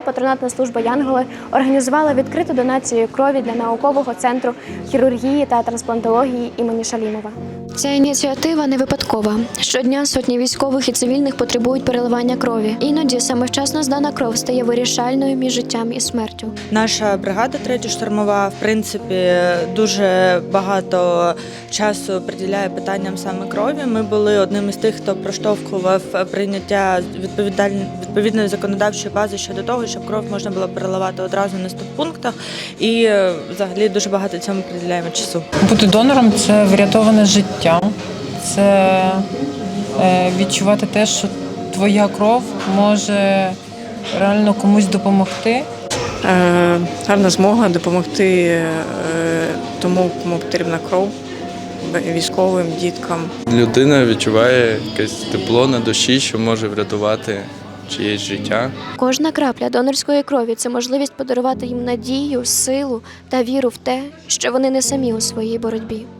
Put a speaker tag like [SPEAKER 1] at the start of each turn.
[SPEAKER 1] патронатна служба «Янголи» організувала відкриту донацію крові для наукового центру хірургії та трансплантології імені Шалімова. Ця ініціатива не випадкова. Щодня сотні військових і цивільних потребують переливання крові. Іноді саме вчасно здана кров стає вирішальною між життям і смертю.
[SPEAKER 2] Наша бригада 3-я штурмова, в принципі, дуже багато часу приділяє питанням саме крові. Ми були одним із тих, хто проштовхував прийняття відповідної законодавчої бази щодо того, щоб кров можна було переливати одразу на стоппунктах. І взагалі дуже багато цьому приділяємо часу.
[SPEAKER 3] Бути донором – це врятоване життя, це відчувати те, що твоя кров може реально комусь допомогти.
[SPEAKER 4] Гарна змога допомогти тому, кому потрібна кров, військовим, діткам.
[SPEAKER 5] Людина відчуває якесь тепло на душі, що може врятувати чиєсь життя.
[SPEAKER 1] Кожна крапля донорської крові – це можливість подарувати їм надію, силу та віру в те, що вони не самі у своїй боротьбі.